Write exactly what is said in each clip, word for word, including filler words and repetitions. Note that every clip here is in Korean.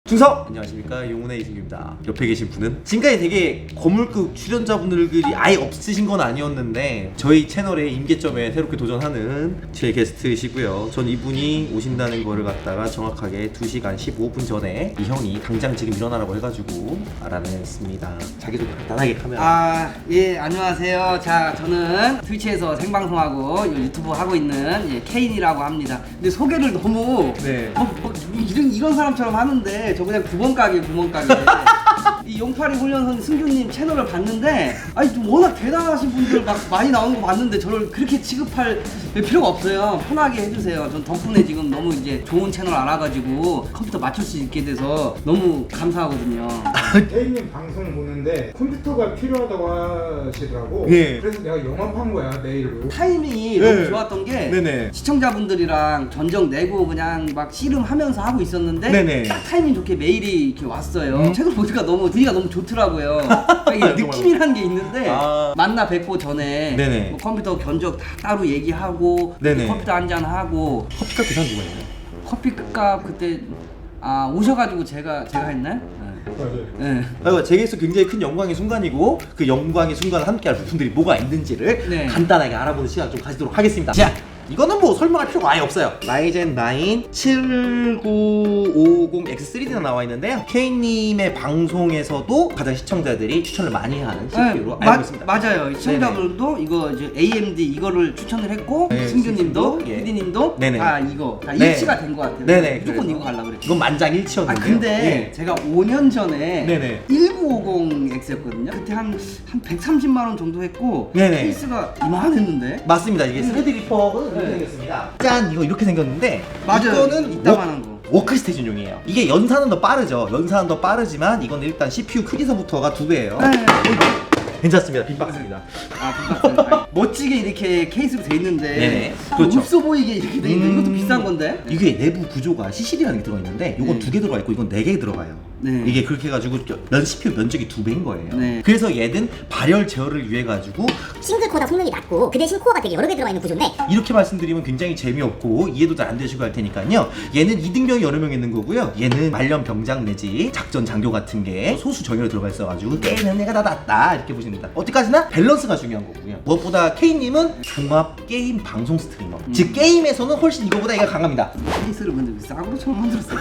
충성! 안녕하십니까, 용운의 이승규입니다. 옆에 계신 분은 지금까지 되게 거물급 출연자분들이 아예 없으신 건 아니었는데 저희 채널의 임계점에 새롭게 도전하는 제 게스트이시고요. 전 이분이 오신다는 거를 갖다가 정확하게 두 시간 십오 분 전에 이 형이 당장 지금 일어나라고 해가지고 알아냈습니다. 자기소개 간단하게 카메라. 아, 예, 안녕하세요. 자, 저는 트위치에서 생방송하고 유튜브 하고 있는 예, 케인이라고 합니다. 근데 소개를 너무 네. 뭐, 뭐, 이런, 이런 사람처럼 하는데 저 그냥 구멍가게 구멍가게 이 용팔이 훈련선 승규님 채널을 봤는데 아니 좀 워낙 대단하신 분들 막 많이 나오는 거 봤는데 저를 그렇게 취급할 필요가 없어요. 편하게 해주세요. 전 덕분에 지금 너무 이제 좋은 채널 알아가지고 컴퓨터 맞출 수 있게 돼서 너무 감사하거든요. 케이님 방송 보는데 컴퓨터가 필요하다고 하시더라고. 예. 그래서 내가 영업한 거야, 메일로. 타이밍이 네. 너무 좋았던 게 네네. 시청자분들이랑 전적 내고 그냥 막 씨름하면서 하고 있었는데 네네. 딱 타이밍 좋게 메일이 이렇게 왔어요. 음. 책을 보니까 너무 분위기가 너무 좋더라고요. 이게 느낌이라는 게 있는데 아. 만나 뵙고 전에 네네. 뭐 컴퓨터 견적 다 따로 얘기하고 네네. 컴퓨터 한잔 하고 커피값 계산 누가 했나요? 커피값 그때 아 오셔가지고 제가 제가 했나요? 맞아요. 네. 아, 제게서 굉장히 큰 영광의 순간이고 그 영광의 순간을 함께할 부품들이 뭐가 있는지를 네. 간단하게 알아보는 시간 좀 가지도록 하겠습니다. 자, 이거는 뭐 설명할 필요가 아예 없어요. 라이젠 나인 칠구오공 엑스 쓰리디가 나와 있는데요. 케이님의 방송에서도 가장 시청자들이 추천을 많이 하는 씨피유로 네, 알고 마- 있습니다. 맞아요. 시청자분들도 이거 이제 에이엠디 이거를 추천을 했고 네, 승규님도 승규님도, 예. 피디님도 네네. 다 이거 다 네. 일치가 된 것 같아요. 네네. 무조건 그래서 이거 갈라 그랬죠. 이건 아 만장일치였는데요. 근데 예. 제가 오 년 전에 네네. 천구백오십 엑스였거든요. 그때 한 한 백삼십만 원 정도 했고 네네. 케이스가 이만했는데 맞습니다. 이게 쓰리디 리퍼는 이렇게 네. 생겼습니다. 짠! 이거 이렇게 생겼는데 맞아요. 이거는 이따만한 거. 워크스테이션용이에요. 이게 연산은 더 빠르죠. 연산은 더 빠르지만 이건 일단 씨피유 크기서부터가 두 배예요. 네. 괜찮습니다. 빈박스입니다. 아, 빈박스. 아니, 멋지게 이렇게 케이스로 돼 있는데 네네. 아, 그렇죠. 없어 보이게 이렇게 돼 있는 음. 이것도 비싼 건데. 이게 내부 구조가 씨씨디라는 게 들어가 있는데 이건 네. 두 개 들어가 있고 이건 네 개 들어가요. 네. 이게 그렇게 해가지고 면 씨피유 면적이 두 배인 거예요. 네. 그래서 얘는 발열 제어를 위해 가지고 싱글 코어다 성능이 낮고 그 대신 코어가 되게 여러 개 들어가 있는 구조인데 이렇게 말씀드리면 굉장히 재미없고 이해도 잘 안 되시고 할 테니까요. 얘는 이등병이 여러 명 있는 거고요. 얘는 말년 병장 내지 작전 장교 같은 게 소수 정예로 들어가 있어가지고 얘는 내가 다 낫다 이렇게 보시면 됩니다. 어디까지나 밸런스가 중요한 거고요. 무엇보다 K님은 종합 게임 방송 스트리머. 음. 즉 게임에서는 훨씬 이거보다 얘가 강합니다. 케이스를 근데 왜 싸구려 처음 만들었어요.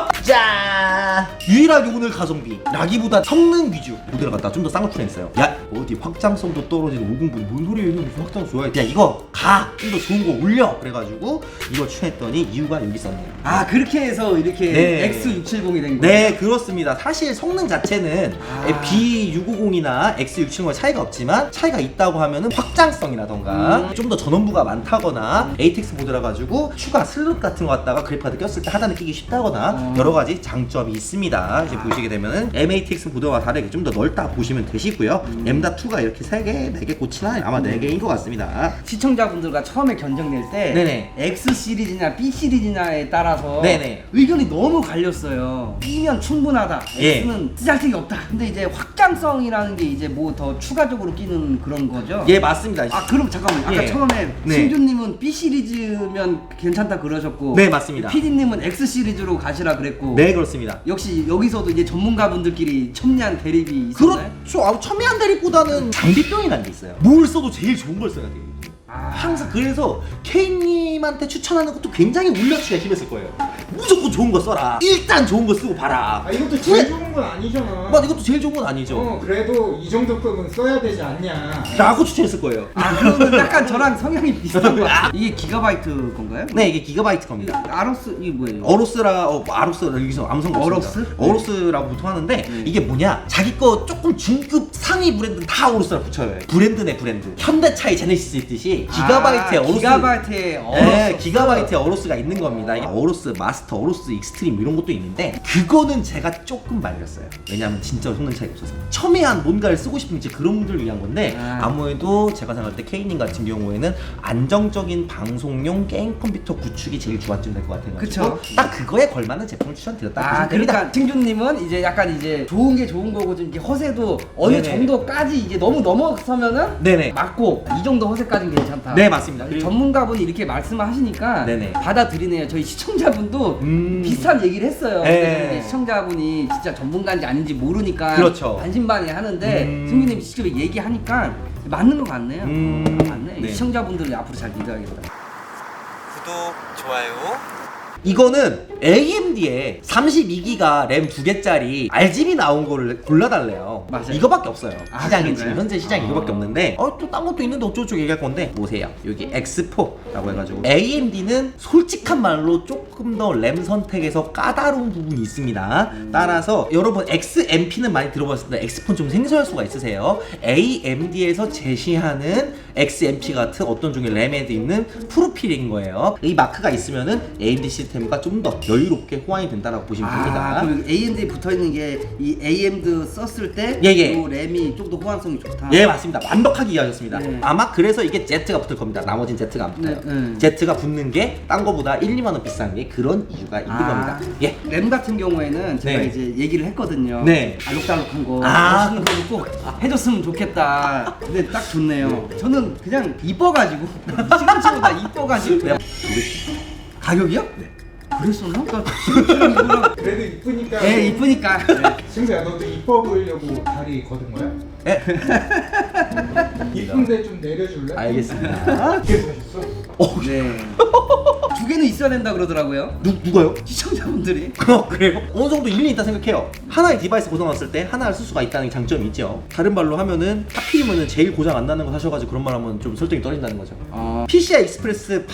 짠! 유일하게 오늘 가성비 라기보다 성능 위주 모델을 갖다 좀 더 싼 거 출연했어요. 야 어디 확장성도 떨어지는 오공분 뭔 소리예요? 이거 무슨 확장 좋아해? 야 이거 가! 좀 더 좋은 거 올려! 그래가지고 이거 출연했더니 이유가 여기 있었네요. 아 그렇게 해서 이렇게 네. 엑스 육백칠십이 된 거예요? 네 그렇습니다. 사실 성능 자체는 아. 비 육백오십이나 엑스 육백칠십과 차이가 없지만 차이가 있다고 하면은 확장성이라던가 음. 좀 더 전원부가 많다거나 에이텍스 모드라 가지고 추가 슬롯 같은 거 갖다가 그래픽카드 꼈을 때 하단에 끼기 쉽다거나 어. 여러 가지 장점이 있습니다. 이제 보시게 되면은 엠에이티엑스 보드와 다르게 좀 더 넓다 보시면 되시고요. 음. 엠닷이가 이렇게 세 개, 네 개 꽂히나 아마 네 개인 것 같습니다. 시청자분들과 처음에 견적 낼 때 네네. X 시리즈냐 B 시리즈냐에 따라서 네네. 의견이 너무 갈렸어요. B면 충분하다. 예. X는 쓰잘데기 없다. 근데 이제 확장성이라는 게 이제 뭐 더 추가적으로 끼는 그런 거죠. 예 맞습니다. 아 그럼 잠깐만 아까 예. 처음에 네. 승준님은 B 시리즈면 괜찮다 그러셨고 네, 맞습니다. 피디님은 X 시리즈로 가시라 그랬고 네 그렇습니다. 역시 여기서도 이제 전문가분들끼리 첨예한 대립이 있었나요? 그렇죠. 아, 첨예한 대립보다는 장비병이라는 게 있어요. 뭘 써도 제일 좋은 걸 써야 돼요. 아. 항상 그래서 K님한테 추천하는 것도 굉장히 울려치기가 심했을 거예요. 무조건 좋은 거 써라. 일단 좋은 거 쓰고 봐라. 아, 이것도 제일 좋은 건 아니잖아. 맞 이것도 제일 좋은 건 아니죠. 어, 그래도 이 정도 급은 써야 되지 않냐. 라고 추천했을 거예요. 아 그러면 약간 저랑 성향이 비슷한 것 같아요. 이게 기가바이트 건가요? 네 이게 기가바이트 겁니다. 아로스 이게 뭐예요? 어로스라 어, 아로스 여기서 암성 어로스? 어로스라고 보통 하는데 네. 이게 뭐냐 자기 거 조금 중급 상위 브랜드는 다 어로스라고 붙여요. 브랜드네 브랜드. 현대차의 제네시스 있듯이 기가바이트의 아, 어로스. 기가바이트의 어로스. 네, 기가바이트의 어로스가 있는 겁니다. 이게 어로스 마스터, 어로스 익스트림 이런 것도 있는데 그거는 제가 조금 말려요. 버렸어요. 왜냐하면 진짜 성능 차이가 없어서. 첨예한 뭔가를 쓰고 싶은 이제 그런 분들을 위한 건데 아. 아무래도 제가 생각할 때 K님 같은 경우에는 안정적인 방송용 게임 컴퓨터 구축이 제일 주안점 될 것 같아가지고 그쵸. 딱 그거에 걸맞는 제품을 추천드렸다 아, 보시면 됩니다. 그러니까 승준님은 이제 약간 이제 좋은 게 좋은 거고 좀 이제 허세도 어느 네네. 정도까지 이제 너무 넘어서면은 네네. 맞고 이 정도 허세까지는 괜찮다. 네, 맞습니다. 그리고- 전문가분이 이렇게 말씀을 하시니까 네네. 받아들이네요. 저희 시청자분도 음. 비슷한 얘기를 했어요. 네. 그래서 이제 시청자분이 진짜 전문가인지 아닌지 모르니까 그렇죠. 반신반의 하는데 음. 승준님이 직접 얘기하니까 맞는 것 같네요. 음. 어, 맞네. 네. 시청자분들을 앞으로 잘 믿어야겠다. 구독, 좋아요. 이거는 에이엠디에 삼십이 기가 램 두 개짜리 알지비 나온 거를 골라달래요. 맞아요. 이거밖에 없어요. 아, 시장에 그런가요? 지금 현재 시장에 아. 이거밖에 없는데 어 또 딴 것도 있는데 어쩌고저쩌고 얘기할 건데 보세요. 여기 엑스 포라고 해가지고 에이엠디는 솔직한 말로 조금 더 램 선택에서 까다로운 부분이 있습니다. 따라서 여러분 엑스엠피는 많이 들어봤을 텐데 엑스포는 좀 생소할 수가 있으세요. 에이엠디에서 제시하는 엑스엠피 같은 어떤 종의 램에 있는 프로필인 거예요. 이 마크가 있으면은 에이엠디 시스템과 좀 더 여유롭게 호환이 된다라고 보시면 됩니다. 아, 그리고 에이엠디에 붙어 있는 게 이 에이엠디 썼을 때 예, 예. 요 램이 좀 더 호환성이 좋다. 예, 맞습니다. 완벽하게 이해하셨습니다. 네. 아마 그래서 이게 Z가 붙을 겁니다. 나머진 Z가 안 붙어요. 네, 네. Z가 붙는 게 딴 거보다 일, 이만 원 비싼 게 그런 이유가 있는 아. 겁니다. 예. 램 같은 경우에는 제가 네. 이제 얘기를 했거든요. 네. 알록달록한 거 아. 멋있는 거 꼭 해줬으면 좋겠다. 근데 딱 좋네요. 저는 그냥 이뻐가지고 시금치보다 이뻐가지고 내가 가격이요? 네. 그랬었나? 나 시금치랑 이거랑 그래도 이쁘니까. 예 이쁘니까. 친구야, 너도 이뻐 보이려고 다리 걷은 거야? 예. 이쁜데 좀 내려줄래? 알겠습니다. 어떻게 사셨어? 어, 네. 두 개는 있어야 된다 그러더라고요. 누, 누가요? 시청자분들이. 어, 그래요? 어느 정도 일리 있다 생각해요. 하나의 디바이스 고장났을 때 하나를 쓸 수가 있다는 장점이 있죠. 다른 말로 하면은 하필이면은 제일 고장 안 나는 거 사셔가지고 그런 말 하면 좀 설득이 떨어진다는 거죠. 아. 피시아이 익스프레스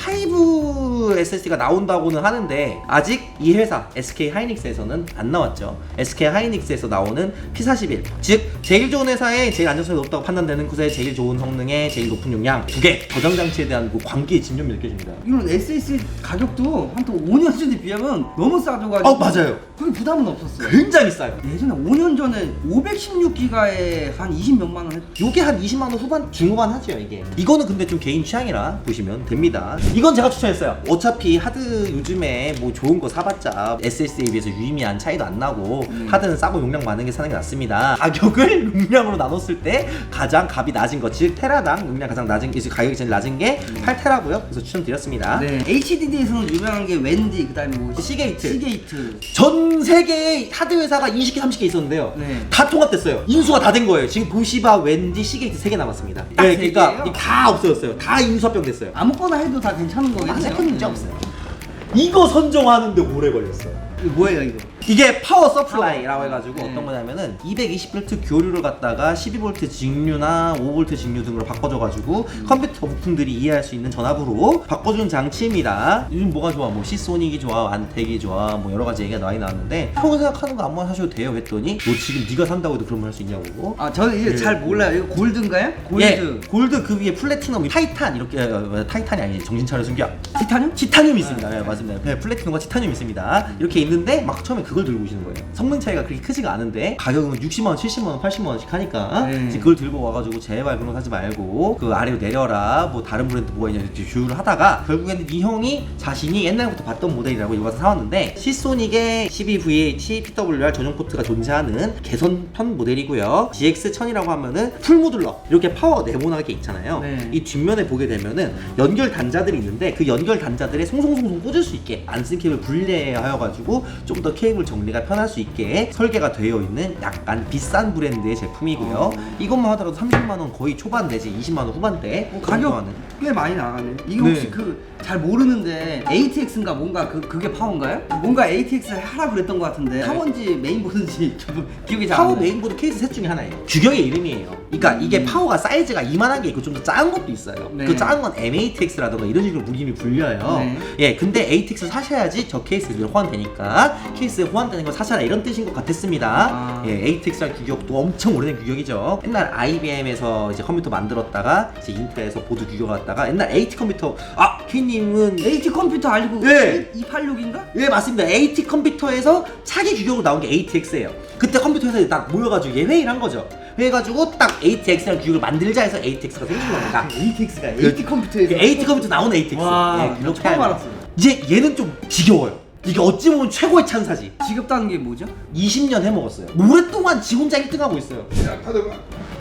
파이브 에스에스디가 나온다고는 하는데 아직 이 회사 에스케이 하이닉스에서는 안 나왔죠. 에스케이 하이닉스에서 나오는 피 사십일, 즉 제일 좋은 회사에 제일 안정성이 높다고 판단되는 곳에 제일 좋은 성능에 제일 높은 용량 두 개 저장 장치에 대한 그 관계의 집념이 느껴집니다. 이런 에스에스디 가격도 한 또 오 년 전에 비하면 너무 싸져가지고. 어, 맞아요. 그게 부담은 없었어요. 굉장히 싸요. 예전에 오 년 전에 오백십육 기가에 한 이십 몇만 원 했. 요게 한 이십만 원 후반 중후반 하죠 이게. 이거는 근데 좀 개인 취향이라 보시면 됩니다. 이건 제가 추천했어요. 어차피 하드 요즘에 뭐 좋은 거 사봤자 에스에스디에 비해서 유의미한 차이도 안 나고 음. 하드는 싸고 용량 많은 게 사는 게 낫습니다. 가격을 용량으로 나눴을 때 가장 값이 낮은 것, 즉 테라당 용량 가장 낮은 게 가격이 제일 낮은 게 팔 테라고요. 그래서 추천드렸습니다. 네. 에이치디디에서는 유명한 게 웬디 그다음에 뭐 시게이트. 시게이트. 전 세계의 하드 회사가 이십 개, 삼십 개 있었는데요. 네. 다 통합됐어요. 인수가 다 된 거예요. 지금 도시바, 웬디, 시게이트 세 개 남았습니다. 딱 네, 세 그러니까 개예요? 다 없어졌어요. 다 인수합병 됐어요. 아무거나 해도 다 괜찮은 거겠네요. 맞아요. 큰 문제 없어요. 이거 선정하는데 오래 걸렸어요. 이거 뭐예요 이거? 이게 파워 서플라이라고 해가지고 네. 어떤 거냐면은 이백이십 볼트 교류를 갖다가 십이 볼트 직류나 오 볼트 직류 등으로 바꿔줘가지고 컴퓨터 부품들이 이해할 수 있는 전압으로 바꿔주는 장치입니다. 요즘 뭐가 좋아? 뭐 시소닉이 좋아, 안텍이 좋아, 뭐 여러 가지 얘기가 많이 나왔는데 평소 생각하는 거 아무나 사셔도 돼요 했더니 너 지금 네가 산다고 해도 그런 말 할 수 있냐고. 아 저는 이제 네. 잘 몰라요. 이거 골드인가요? 골드. 예, 골드 그 위에 플래티넘, 타이탄 이렇게 어, 타이탄이 아니지 정신 차려 숨겨. 티타늄? 티타늄이 있습니다. 네, 맞습니다. 네, 플래티넘과 티타늄이 있습니다. 이렇게 있는데 막 처음에 그걸 들고 오시는 거예요. 성능 차이가 그렇게 크지가 않은데 가격은 육십만 원, 칠십만 원, 팔십만 원씩 하니까 네. 이제 그걸 들고 와가지고 제발 그런 거 사지 말고 그 아래로 내려라. 뭐 다른 브랜드 뭐가 있냐 이렇게 주유를 하다가 결국에는 이 형이 자신이 옛날부터 봤던 모델이라고 이거 가서 사왔는데 시소닉의 십이 브이에이치 피더블유알 전용 포트가 존재하는 개선편 모델이고요. 지엑스 천이라고 하면은 풀 모듈러 이렇게 파워 네모나게 있잖아요. 네. 이 뒷면에 보게 되면은 연결 단자들이 있는데 그 연결 단자들에 송송송송 꽂을 수 있게 안 쓴 케이블 분리하여가지고 좀 더 케이블 정리가 편할 수 있게 설계가 되어 있는 약간 비싼 브랜드의 제품이고요. 어. 이것만 하더라도 삼십만 원 거의 초반 내지 이십만 원 후반대 어, 가격 정도하는. 꽤 많이 나가네. 이거 네. 혹시 그 잘 모르는데 에이티엑스인가 뭔가 그 그게 파워인가요? 뭔가 에이티엑스 하라 그랬던 것 같은데 파워인지 메인보드인지 저도 기억이 잘 안 파워 나요. 메인보드 케이스 셋 중에 하나예요. 규격의 이름이에요. 그러니까 이게 파워가 사이즈가 이만한 게 있고 좀 더 작은 것도 있어요. 네. 그 작은 건 엠에이티엑스라던가 이런 식으로 무림이 불려요. 네. 예, 근데 에이티엑스 사셔야지 저 케이스에 호환되니까 케이스에 호환되는 걸 사셔라 이런 뜻인 것 같았습니다. 아. 예, 에이티엑스랑 규격도 엄청 오래된 규격이죠. 옛날 아이비엠에서 이제 컴퓨터 만들었다가 이제 인텔에서 보드 규격 갖다가 옛날 에이티 컴퓨터 아 K님은 에이티 컴퓨터 알고 네. 이백팔십육인가? 예 맞습니다. 에이티 컴퓨터에서 차기 규격으로 나온 게 에이티엑스예요. 그때 컴퓨터 회사에 딱 모여가지고 이게 회의를 한 거죠. 해가지고 딱 에이티엑스라는 규격을 만들자 해서 에이티엑스가 생긴 겁니다. 에이티엑스가 그- 에이티 컴퓨터에서 에이티 컴퓨터 나온 에이티엑스. 와, 예, 그렇게 처음 하는 알았어요. 거예요. 이제 얘는 좀 지겨워요. 이게 어찌 보면 최고의 찬사지. 지겹다는 게 뭐죠? 이십 년 해먹었어요. 오랫동안 지 혼자 일 등 하고 있어요. 자, 받아봐.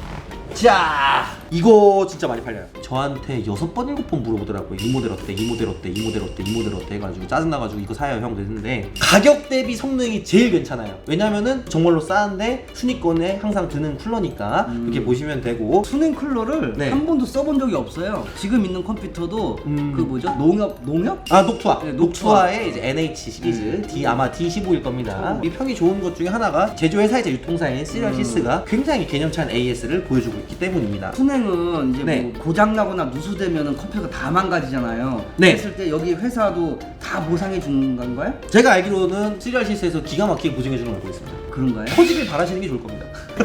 자, 이거 진짜 많이 팔려요. 저한테 여섯 번 일곱 번 물어보더라고요. 이 모델 어때? 이 모델 어때? 이 모델 어때? 이 모델 어때? 해가지고 짜증나가지고 이거 사요 형 그랬는데 가격 대비 성능이 제일 괜찮아요. 왜냐면은 정말로 싸는데 순위권에 항상 드는 쿨러니까 음. 이렇게 보시면 되고. 수냉 쿨러를 네. 한 번도 써본 적이 없어요. 지금 있는 컴퓨터도 음. 그 뭐죠? 농협 농협? 아 녹투아. 네, 녹투아. 녹투아의 이제 엔에이치 시리즈 음. D 아마 디 십오일 겁니다. 이 평이 좋은 것 중에 하나가 제조회사이자 유통사인 시리얼시스가 굉장히 개념찬 에이에스를 보여주고 있기 때문입니다. 수냉은 이제 네. 뭐 고장 나거나 누수되면은 컴퓨터가 다 망가지잖아요. 네. 그랬을 때 여기 회사도 다 보상해 주는 건가요? 제가 알기로는 시리얼시스에서 기가 막히게 보증해 주는 걸 알고 있습니다. 그런가요? 터지길 바라시는 게 좋을 겁니다.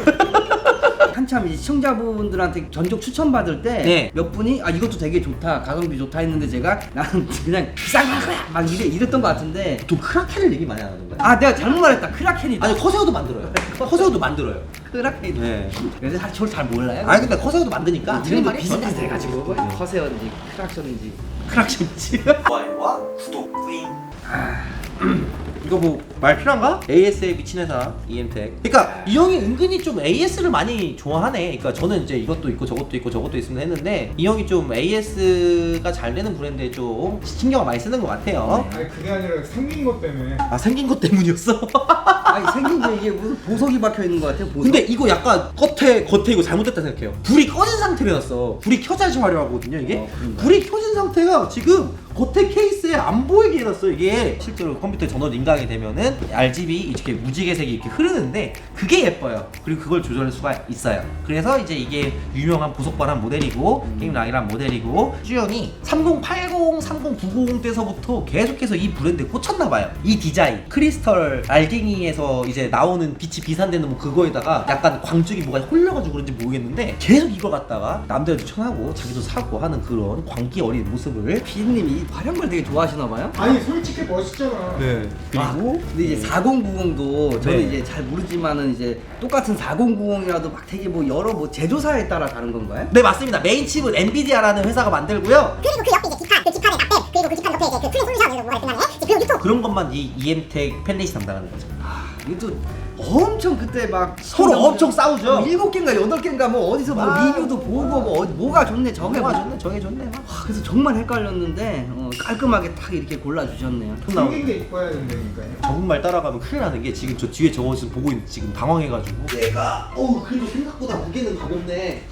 한참 이제 시청자분들한테 전적 추천 받을 때 네. 몇 분이 아 이것도 되게 좋다 가성비 좋다 했는데 제가 나는 그냥 비싼 거 할 거야 막 이래 이랬던 것 같은데 좀 크라켄을 얘기 많이 안 하던가요? 아 내가 잘못 말했다 크라켄이다. 아니 커세어도 만들어요. 커세어도 만들어요. 크라켄. 네. 근데 사실 저를 잘 몰라요. 아니 근데 커세어도 만드니까 틀린 이름도 말이 비슷비슷해가지고 네. 커세어인지 크락션인지. 크락션이지. 좋아요와 구독 뿌잉. 이거 뭐 말 필요한가? 에이에스에 미친 회사 이엠텍. 그러니까 이 형이 은근히 좀 에이에스를 많이 좋아하네. 그러니까 저는 이제 이것도 있고 저것도 있고 저것도 있으면 했는데 이 형이 좀 에이에스가 잘 되는 브랜드에 좀 신경을 많이 쓰는 것 같아요. 아니 그게 아니라 생긴 것 때문에. 아 생긴 것 때문이었어? 아니 생긴 게 이게 무슨 보석이 박혀 있는 것 같아요. 보석. 근데 이거 약간 겉에 겉에 이거 잘못됐다 생각해요. 불이 꺼진 상태로 해놨어. 불이 켜져야지 화려하거든요 이게. 어, 그런가요? 불이 켜진 상태가 지금 겉에 케이스에 안 보이게 해놨어. 이게 실제로 컴퓨터 전원 인강이 되면은 알지비 이렇게 무지개색이 이렇게 흐르는데 그게 예뻐요. 그리고 그걸 조절할 수가 있어요. 그래서 이제 이게 유명한 보석바람 모델이고 음. 게임랑이란 모델이고 쭈영이 삼공팔공, 삼공구공 때서부터 계속해서 이 브랜드에 꽂혔나봐요. 이 디자인 크리스털 알갱이에서 이제 나오는 빛이 비산되는 뭐 그거에다가 약간 광쪽이 뭐가 홀려가지고 그런지 모르겠는데 계속 이걸 갖다가 남들한테 추천하고 자기도 사고 하는 그런 광기 어린 모습을. 피디님이 이 발연걸 되게 좋아하시나 봐요. 아니 솔직히 멋있잖아. 네. 아, 그리고 근데 이제 사공구공도 저는 네. 이제 잘 모르지만은 이제 똑같은 사공구공이라도 막 되게 뭐 여러 뭐 제조사에 따라 다른 건가요? 네 맞습니다. 메인 칩은 엔비디아라는 회사가 만들고요. 그리고 그 옆에 이제 기판, 그 기판의 납땜, 그리고 그 기판 옆에 이제 그 쿨링 솔루션 이런 뭐가 끝나네. 그리고 유통. 그런 것만 이 이엠텍 펠릿이 담당하는 거죠. 이것도 엄청 그때 막 서로 엄청 싸우죠. 뭐 일곱 개인가 여덟 개인가 뭐 어디서 뭐 아, 리뷰도 보고 뭐 어디 뭐가 좋네 저게 뭐가 뭐 좋네 저게 좋네. 와, 그래서 정말 헷갈렸는데 어, 깔끔하게 딱 이렇게 골라주셨네요. 생긴 게 이뻐야 된다니까요. 적응말 따라가면 큰일 나는 게 지금 저 뒤에 저거 지금 보고 있는 지금 당황해가지고 얘가 어우 그래도 생각보다 무게는 가볍네.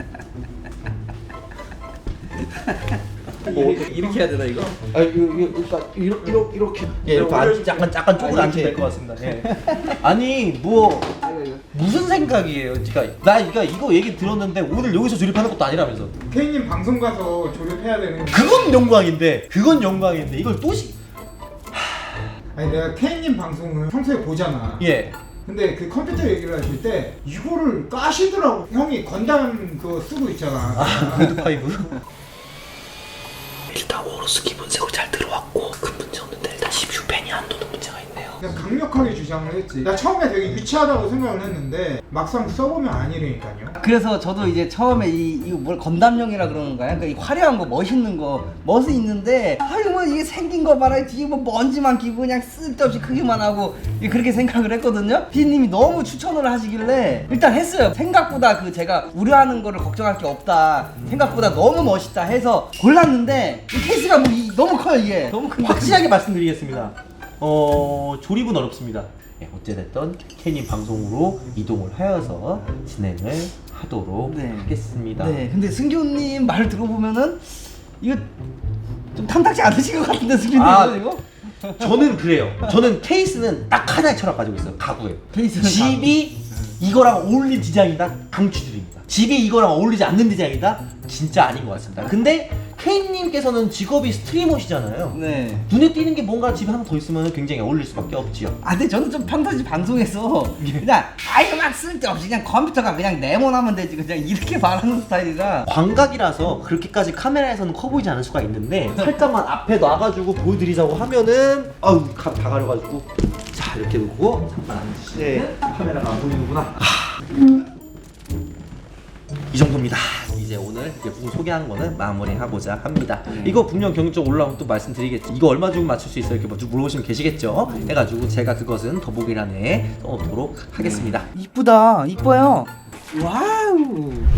뭐 이렇게 해야 되나 이거? 아 이거 이거 그러니까 이렇게 이렇게 이렇게 예, 이렇게 앉, 약간 약간 쪼그려 앉으면 될 것 같습니다. 예. 아니 뭐 이거 이거. 무슨 생각이에요? 그러니까 나 그러니까 이거 얘기 들었는데 오늘 여기서 조립하는 것도 아니라면서. K님 방송 가서 조립해야 되는 거. 그건 영광인데 그건 영광인데 이걸 또 시... 아니 내가 K님 방송을 평소에 보잖아. 예. 근데 그 컴퓨터 얘기를 하실 때 이거를 까시더라고. 형이 건담 그거 쓰고 있잖아. 레드 파이브. 일단 오로스 기본색으로 잘 들어왔고 큰 문제 없는데 일단 씨피유 팬이 안 도는 문제가 있네요. 그냥 강력하게 주장을 했지. 나 처음에 되게 유치하다고 생각을 했는데 막상 써보면 아니라니까요. 그래서 저도 이제 처음에 이 이거 뭘 건담용이라 그러는 거야. 그러니까 이 화려한 거 멋있는 거 멋이 있는데 아유 뭐 이게 생긴 거 봐라 뒤에 뭐 먼지만 끼고 그냥 쓸데없이 크기만 하고 그렇게 생각을 했거든요. 피디님이 너무 추천을 하시길래 일단 했어요. 생각보다 그 제가 우려하는 거를 걱정할 게 없다. 생각보다 너무 멋있다 해서 골랐는데 이 케이스가 뭐 이, 너무 커요 이게. 너무 큰 확실하게 말씀드리겠습니다. 어 조립은 어렵습니다. 예, 어찌됐든 K님 방송으로 이동을 하여서 진행을 하도록 네. 하겠습니다. 네, 근데 승규님 말을 들어보면은 이거 좀 탐탁지 않으신 것 같은데 승규님 아, 이거? 저는 그래요. 저는 케이스는 딱 하나의 철학 가지고 있어요. 가구에. 케이스는 집이 이거랑 어울린 디자인이다. 강추드립니다. 집이 이거랑 어울리지 않는 디자인이다. 진짜 아닌 것 같습니다. 근데 케인님께서는 직업이 스트리머시잖아요. 네. 눈에 띄는 게 뭔가 집에 하나 더 있으면 굉장히 어울릴 수밖에 없지요. 아 근데 저는 좀 평상시 방송에서 그냥 아이고 막 쓸데없이 그냥 컴퓨터가 그냥 네모나면 되지 그냥 이렇게 말하는 스타일이라. 광각이라서 그렇게까지 카메라에서는 커 보이지 않을 수가 있는데 살짝만 앞에 놔가지고 보여드리자고 하면은 아우 다 가려가지고 자 이렇게 놓고 잠깐 앉으시 네 카메라가 안 보이는구나. 아, 이 정도입니다. 이제 오늘 이제 부분 소개한 거는 마무리하고자 합니다. 이거 분명 경적 올라오면 또 말씀드리겠죠. 이거 얼마 주면 맞출 수 있어요? 이렇게 먼저 물어보시면 계시겠죠? 해가지고 제가 그것은 더보기란에 써놓도록 하겠습니다. 이쁘다 이뻐요. 와우.